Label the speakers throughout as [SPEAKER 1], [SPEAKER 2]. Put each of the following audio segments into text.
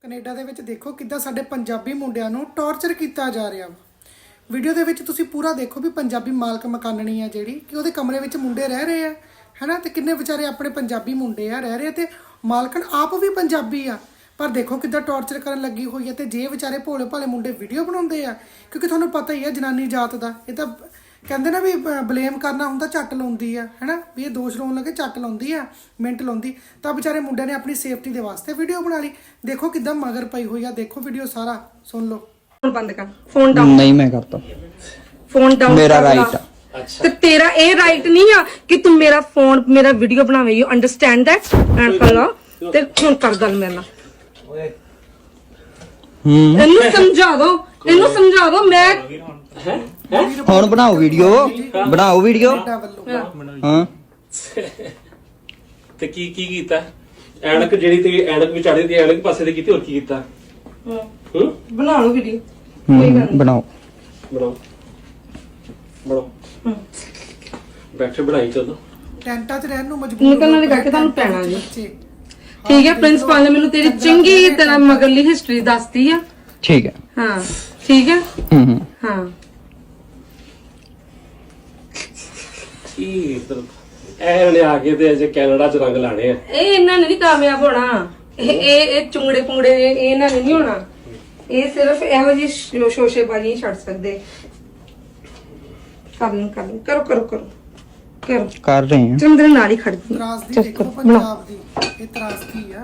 [SPEAKER 1] Canada ਦੇ ਵਿੱਚ ਦੇਖੋ ਕਿੱਦਾਂ ਸਾਡੇ ਪੰਜਾਬੀ ਮੁੰਡਿਆਂ ਨੂੰ ਟੌਰਚਰ ਕੀਤਾ ਜਾ ਰਿਹਾ ਵਾ। ਵੀਡੀਓ ਦੇ ਵਿੱਚ ਤੁਸੀਂ ਪੂਰਾ ਦੇਖੋ ਵੀ ਪੰਜਾਬੀ ਮਾਲਕ ਮਕਾਨਣੀ ਆ ਜਿਹੜੀ ਕਿ ਉਹਦੇ ਕਮਰੇ ਵਿੱਚ ਮੁੰਡੇ ਰਹਿ ਰਹੇ ਆ ਹੈਨਾ, ਤੇ ਕਿੰਨੇ ਵਿਚਾਰੇ ਆਪਣੇ ਪੰਜਾਬੀ ਮੁੰਡੇ ਆ ਰਹਿ ਰਹੇ ਤੇ ਮਾਲਕਣ ਆਪ ਵੀ ਪੰਜਾਬੀ ਆ, ਪਰ ਦੇਖੋ ਕਿੱਦਾਂ ਟੌਰਚਰ ਕਰਨ ਲੱਗੀ ਹੋਈ ਹੈ। ਤੇ ਜੇ ਵਿਚਾਰੇ ਭੋਲੇ ਭਾਲੇ ਮੁੰਡੇ ਵੀਡੀਓ ਬਣਾਉਂਦੇ ਆ, ਕਿਉਂਕਿ ਤੁਹਾਨੂੰ ਪਤਾ ਹੀ ਆ ਜਨਾਨੀ ਜਾਤ ਦਾ ਇਹ ਤਾਂ ਕਹਿੰਦੇ ਨਾ ਵੀ ਬਲੇਮ ਕਰਨਾ ਹੁੰਦਾ ਝੱਟ ਲਾਉਂਦੀ ਆ ਹੈਨਾ, ਵੀ ਇਹ ਦੋਸ਼ ਲਾਉਣ ਲੱਗੇ ਝੱਟ ਲਾਉਂਦੀ ਆ, ਮਿੰਟ ਲਾਉਂਦੀ। ਤਾਂ ਵਿਚਾਰੇ ਮੁੰਡਿਆਂ ਨੇ ਆਪਣੀ ਸੇਫਟੀ ਦੇ ਵਾਸਤੇ ਵੀਡੀਓ ਬਣਾ ਲਈ। ਦੇਖੋ ਕਿੱਦਾਂ ਮਗਰ ਪਈ ਹੋਈ ਆ, ਦੇਖੋ ਵੀਡੀਓ ਸਾਰਾ ਸੁਣ ਲਓ।
[SPEAKER 2] फोन बंद कर, फोन डाउन
[SPEAKER 3] नहीं मैं करता,
[SPEAKER 2] फोन डाउन
[SPEAKER 3] मेरा
[SPEAKER 2] कर
[SPEAKER 3] राइट
[SPEAKER 2] ला। तो तेरा ये राइट नहीं है कि तुम मेरा फोन मेरा वीडियो बनावे, यू अंडरस्टैंड दैट एंड कर लो ते फोन कर गल मेरे नाल। इन्नू समझा दो मैं
[SPEAKER 3] ਹੁਣ ਬਣਾਓ ਵੀਡੀਓ ਹਾਂ।
[SPEAKER 4] ਤੇ ਕੀ ਕੀਤਾ? ਐਨਕ ਜਿਹੜੀ ਤੇ ਐਨਕ ਵਿਚਾੜੇ ਦੀ ਐਨਕ ਪਾਸੇ ਤੇ ਕੀਤੀ, ਹੋਰ ਕੀ ਕੀਤਾ?
[SPEAKER 2] बना लो वीडियो,
[SPEAKER 3] ਬਣਾਓ
[SPEAKER 4] ਬੈਠੇ ਬਣਾਈ ਚੱਲੋ।
[SPEAKER 1] ਟੈਂਟਾਂ 'ਚ ਰਹਿਣ ਨੂੰ ਮਜਬੂਰ
[SPEAKER 2] ਨਿਕਲਣ ਵਾਲੀ ਕਰਕੇ ਤੁਹਾਨੂੰ ਪੈਣਾ ਜੀ। ठीक है, प्रिंसिपल ने मैनू तेरी चंगी तरह मगरली हिस्ट्री दसती है।
[SPEAKER 3] ठीक है,
[SPEAKER 2] हाँ ठीक है। हाँ
[SPEAKER 4] ਕੀ ਇਧਰ ਐ ਨੇ ਆ ਕੇ ਤੇ ਅਜੇ ਕੈਨੇਡਾ 'ਚ ਰੰਗ ਲਾਣੇ ਆ।
[SPEAKER 2] ਇਹ ਇਹਨਾਂ ਨੇ ਨਹੀਂ ਕਾਮਯਾਬ ਹੋਣਾ, ਇਹ ਚੁੰਗੜੇ ਪੁੰਗੜੇ ਇਹਨਾਂ ਨੇ ਨਹੀਂ ਹੋਣਾ। ਇਹ ਸਿਰਫ ਇਹੋ ਜਿਹੀ ਸ਼ੋਸ਼ੇਬਾਜ਼ੀ ਛੱਡ ਸਕਦੇ। ਕਰੋ
[SPEAKER 3] कर रहे हैं।
[SPEAKER 2] ਚੰਦਰ ਨਾਲ ਹੀ ਖੜਦੀ
[SPEAKER 1] ਤਰਾਸਦੀ ਦੇਖੋ ਪੰਜਾਬ ਦੀ, ਇਹ ਤਰਾਸਦੀ ਆ।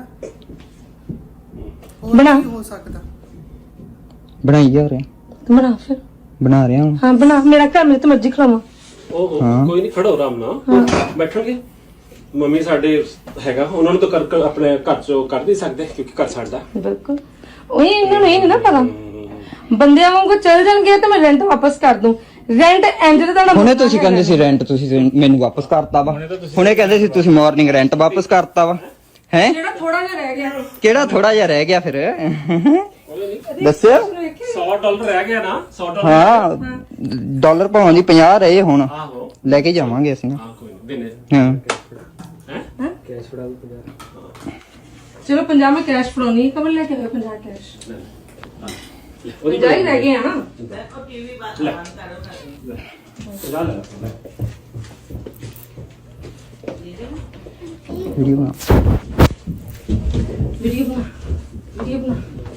[SPEAKER 1] ਹੋਰ
[SPEAKER 2] ਬਣਾ।
[SPEAKER 1] ਕੀ ਹੋ ਸਕਦਾ?
[SPEAKER 3] बनाई जा रहे हैं,
[SPEAKER 2] ਬਣਾ ਫਿਰ।
[SPEAKER 3] बना रहे हैं।
[SPEAKER 2] ਹਾਂ ਬਣਾ, ਮੇਰਾ ਘਰ ਮੈਂ ਤੇ ਮਰਜ਼ੀ ਖਲਾਵਾਂ।
[SPEAKER 4] ਓਹੋ ਕੋਈ ਨਹੀਂ, ਖੜੋ ਆਰਾਮ ਨਾਲ ਬੈਠਣਗੇ। ਮੰਮੀ ਸਾਡੇ ਹੈਗਾ, ਉਹਨਾਂ ਨੂੰ ਤਾਂ ਕਰ ਆਪਣੇ ਘਰ 'ਚੋਂ ਕਰ ਨਹੀਂ ਸਕਦੇ ਕਿਉਂਕਿ ਘਰ ਸਾਡਾ।
[SPEAKER 2] ਬਿਲਕੁਲ ਉਹੀ, ਇਹਨਾਂ ਨੂੰ ਇਹ ਨਹੀਂ ਨਾ ਪਤਾ ਬੰਦਿਆਂ ਵਾਂਗੂ ਚੱਲ ਜਾਣਗੇ ਤੇ ਮੈਂ ਰੈਂਟ ਵਾਪਸ ਕਰ ਦੂੰ। ਰੈਂਟ ਇੰਜ ਦਾ ਤੁਹਾਡਾ
[SPEAKER 3] ਹੁਣੇ ਤੁਸੀਂ ਕਹਿੰਦੇ ਸੀ ਰੈਂਟ ਤੁਸੀਂ ਮੈਨੂੰ ਵਾਪਸ ਕਰਤਾ ਵਾ, ਹੁਣੇ ਕਹਿੰਦੇ ਸੀ ਤੁਸੀਂ ਮਾਰਨਿੰਗ ਰੈਂਟ ਵਾਪਸ ਕਰਤਾ ਵਾ ਹੈ।
[SPEAKER 2] ਜਿਹੜਾ ਥੋੜਾ ਜਿਹਾ ਰਹਿ ਗਿਆ,
[SPEAKER 3] ਕਿਹੜਾ ਥੋੜਾ ਜਿਹਾ ਰਹਿ ਗਿਆ ਫਿਰ ਦੱਸਿਆ?
[SPEAKER 4] $100 ਰਹਿ ਗਿਆ ਨਾ, $100।
[SPEAKER 3] ਹਾਂ ਡਾਲਰ ਭਾਵੇਂ ਦੀ 50 ਰਹੇ ਹੁਣ,
[SPEAKER 4] ਆਹੋ
[SPEAKER 3] ਲੈ ਕੇ ਜਾਵਾਂਗੇ ਅਸੀਂ।
[SPEAKER 4] ਹਾਂ ਕੋਈ ਨਹੀਂ ਦਿਨੇ
[SPEAKER 3] ਹਾਂ
[SPEAKER 4] ਕੈਸ਼ ਫੜਾ ਦੋ 50।
[SPEAKER 2] ਚਲੋ 50 ਮੈਂ ਕੈਸ਼ ਫੜਾਉਣੀ, ਕਬਰ ਲੈ ਕੇ ਆਓ 50 ਕੈਸ਼।
[SPEAKER 4] ਉਹਦੀ
[SPEAKER 2] ਜਾਈ ਰਹਿ ਗਏ ਆ ਨਾ।
[SPEAKER 4] ਲੈ
[SPEAKER 3] ਵੀਡੀਓ ਬਣਾ।
[SPEAKER 2] ਵੀਡੀਓ ਬਣਾ।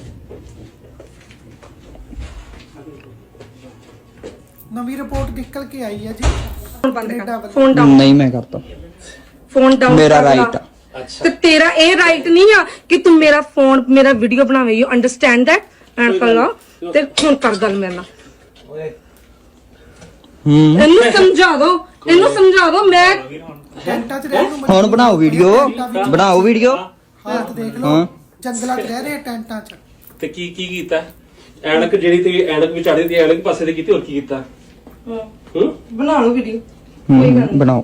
[SPEAKER 1] ਨਵੀਂ ਰਿਪੋਰਟ ਨਿਕਲ ਕੇ ਆਈ ਆ ਜੀ।
[SPEAKER 2] फोन बंद कर, फोन डाउन
[SPEAKER 3] नहीं मैं करता,
[SPEAKER 2] फोन डाउन
[SPEAKER 3] मेरा
[SPEAKER 2] कर ला।
[SPEAKER 3] राइट है।
[SPEAKER 4] अच्छा
[SPEAKER 2] तो तेरा ये राइट नहीं है कि तुम मेरा फोन मेरा वीडियो बनावे, यू अंडरस्टैंड दैट एंड कर लो ते फोन कर गल मेरे नाल। इन्नू समझा दो मैं
[SPEAKER 1] ਟੈਂਟਾਂ 'ਚ ਰਹਿਣ ਨੂੰ
[SPEAKER 3] ਹੁਣ ਬਣਾਓ ਵੀਡੀਓ
[SPEAKER 1] ਹਾਲਤ ਦੇਖ ਲਓ। ਜੰਗਲਾਂ 'ਚ ਰਹਿ ਰਹੇ ਆ ਟੈਂਟਾਂ 'ਚ।
[SPEAKER 4] ਤੇ ਕੀ ਕੀਤਾ? ਐਨਕ ਜਿਹੜੀ ਤੇ ਐਨਕ ਵਿਚਾੜੇ ਦੀ ਐਨਕ ਪਾਸੇ ਤੇ ਕੀਤੀ, ਹੋਰ ਕੀ ਕੀਤਾ?
[SPEAKER 2] बना लो वीडियो,
[SPEAKER 3] ਬਣਾਓ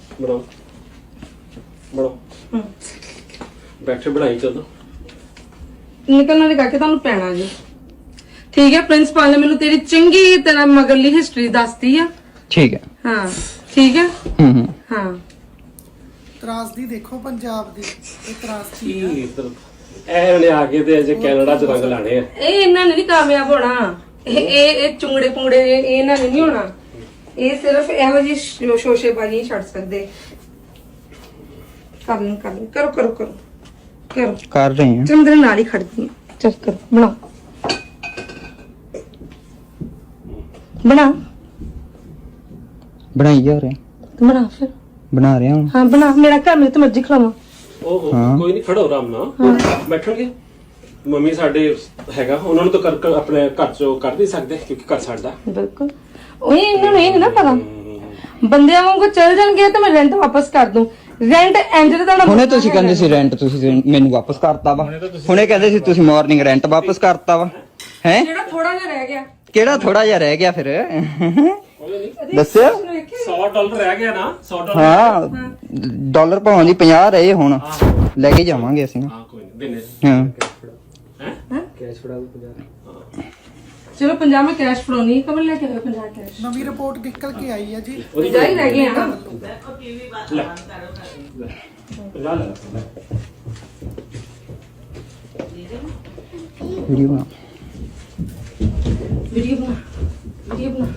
[SPEAKER 4] ਬੈਠੇ ਬਣਾਈ ਚੱਲੋ।
[SPEAKER 2] निकलने वाली करके ਤੁਹਾਨੂੰ ਪੈਣਾ ਜੀ। ठीक है, प्रिंसिपल ने मैनू तेरी चंगी तरह मगरली हिस्ट्री दसती है।
[SPEAKER 3] ठीक है।
[SPEAKER 2] हाँ ठीक है। हाँ
[SPEAKER 1] ਤਰਾਸਦੀ ਦੇਖੋ ਪੰਜਾਬ ਦੀ, ਇਹ ਤਰਾਸਦੀ
[SPEAKER 4] ਕੀ
[SPEAKER 1] ਆ।
[SPEAKER 4] ਇਧਰ ਐ ਨੇ ਆ ਕੇ ਤੇ ਅਜੇ ਕੈਨੇਡਾ 'ਚ ਰੰਗ ਲਾਣੇ ਆ।
[SPEAKER 2] ਇਹ ਇਹਨਾਂ ਨੇ ਨਹੀਂ ਕਾਮਯਾਬ ਹੋਣਾ, ਇਹ ਚੁੰਗੜੇ ਪੁੰਗੜੇ ਇਹਨਾਂ ਨੇ ਨਹੀਂ ਹੋਣਾ। ਇਹ ਸਿਰਫ ਇਹੋ ਜਿਹੀ ਸ਼ੋਸ਼ੇਬਾਜ਼ੀ ਛੱਡ ਸਕਦੇ। ਕਰੋ
[SPEAKER 3] कर रहे हैं।
[SPEAKER 2] ਚੰਦਰ ਨਾਲ ਹੀ ਖੜਦੀ ਚੱਲ ਕਰੋ। ਬਣਾ
[SPEAKER 3] बनाई जा रहे हैं,
[SPEAKER 2] ਬਣਾ ਫਿਰ।
[SPEAKER 3] बना रहे हैं।
[SPEAKER 2] ਹਾਂ ਬਣਾ, ਮੇਰਾ ਘਰ ਮੈਂ ਤੇ ਮਰਜ਼ੀ ਖਲਾਵਾਂ।
[SPEAKER 4] ਓਹੋ ਕੋਈ ਨਹੀਂ, ਖੜੋ ਆਰਾਮ ਨਾਲ ਬੈਠਣਗੇ। ਮੰਮੀ ਸਾਡੇ ਹੈਗਾ, ਉਹਨਾਂ ਨੂੰ ਤਾਂ ਕਰ ਆਪਣੇ ਘਰ 'ਚੋਂ ਕਰ ਨਹੀਂ ਸਕਦੇ ਕਿਉਂਕਿ ਘਰ ਸਾਡਾ।
[SPEAKER 2] ਬਿਲਕੁਲ ਉਹੀ, ਇਹਨਾਂ ਨੂੰ ਇਹ ਨਹੀਂ ਨਾ ਪਤਾ ਬੰਦਿਆਂ ਵਾਂਗੂ ਚੱਲ ਜਾਣਗੇ ਤੇ ਮੈਂ ਰੈਂਟ ਵਾਪਸ ਕਰ ਦੂੰ। ਰੈਂਟ ਇੰਜ ਦਾ ਤੁਹਾਡਾ
[SPEAKER 3] ਹੁਣੇ ਤੁਸੀਂ ਕਹਿੰਦੇ ਸੀ ਰੈਂਟ ਤੁਸੀਂ ਮੈਨੂੰ ਵਾਪਸ ਕਰਤਾ ਵਾ, ਹੁਣੇ ਕਹਿੰਦੇ ਸੀ ਤੁਸੀਂ ਮਾਰਨਿੰਗ ਰੈਂਟ ਵਾਪਸ ਕਰਤਾ ਵਾ ਹੈ।
[SPEAKER 2] ਜਿਹੜਾ ਥੋੜਾ ਜਿਹਾ ਰਹਿ ਗਿਆ,
[SPEAKER 3] ਕਿਹੜਾ ਥੋੜਾ ਜਿਹਾ ਰਹਿ ਗਿਆ ਫਿਰ ਦੱਸਿਆ?
[SPEAKER 4] $100 ਰਹਿ ਗਿਆ ਨਾ, $100।
[SPEAKER 3] ਹਾਂ ਡਾਲਰ ਭਾਵੇਂ ਦੀ 50 ਰਹੇ ਹੁਣ, ਲੈ ਕੇ ਜਾਵਾਂਗੇ ਅਸੀਂ।
[SPEAKER 4] ਹਾਂ ਕੋਈ ਨਹੀਂ ਦਿਨੇ
[SPEAKER 3] ਹਾਂ
[SPEAKER 4] ਕੈਸ਼ ਫੜਾ ਦੋ 50।
[SPEAKER 2] ਚਲੋ 50 ਮੈਂ ਕੈਸ਼ ਫੜਾਉਣੀ, ਕਬਰ ਲੈ ਕੇ ਆਓ 50 ਕੈਸ਼।
[SPEAKER 1] ਨਵੀਂ ਰਿਪੋਰਟ ਨਿਕਲ ਕੇ ਆਈ ਆ ਜੀ।
[SPEAKER 2] ਜਾਈ ਰਹਿ ਗਏ ਆ ਨਾ।
[SPEAKER 4] ਲੈ 50 ਲੈ
[SPEAKER 3] ਵੀਡੀਓ ਬਣਾ
[SPEAKER 2] ਵੀਡੀਓ ਬਣਾ ਵੀਡੀਓ ਬਣਾ।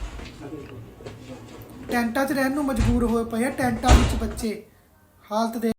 [SPEAKER 1] ਟੈਂਟਾਂ 'ਚ ਰਹਿਣ ਨੂੰ ਮਜਬੂਰ ਹੋਏ ਪਏ ਆ, ਟੈਂਟਾਂ ਵਿੱਚ ਬੱਚੇ ਹਾਲਤ ਦੇ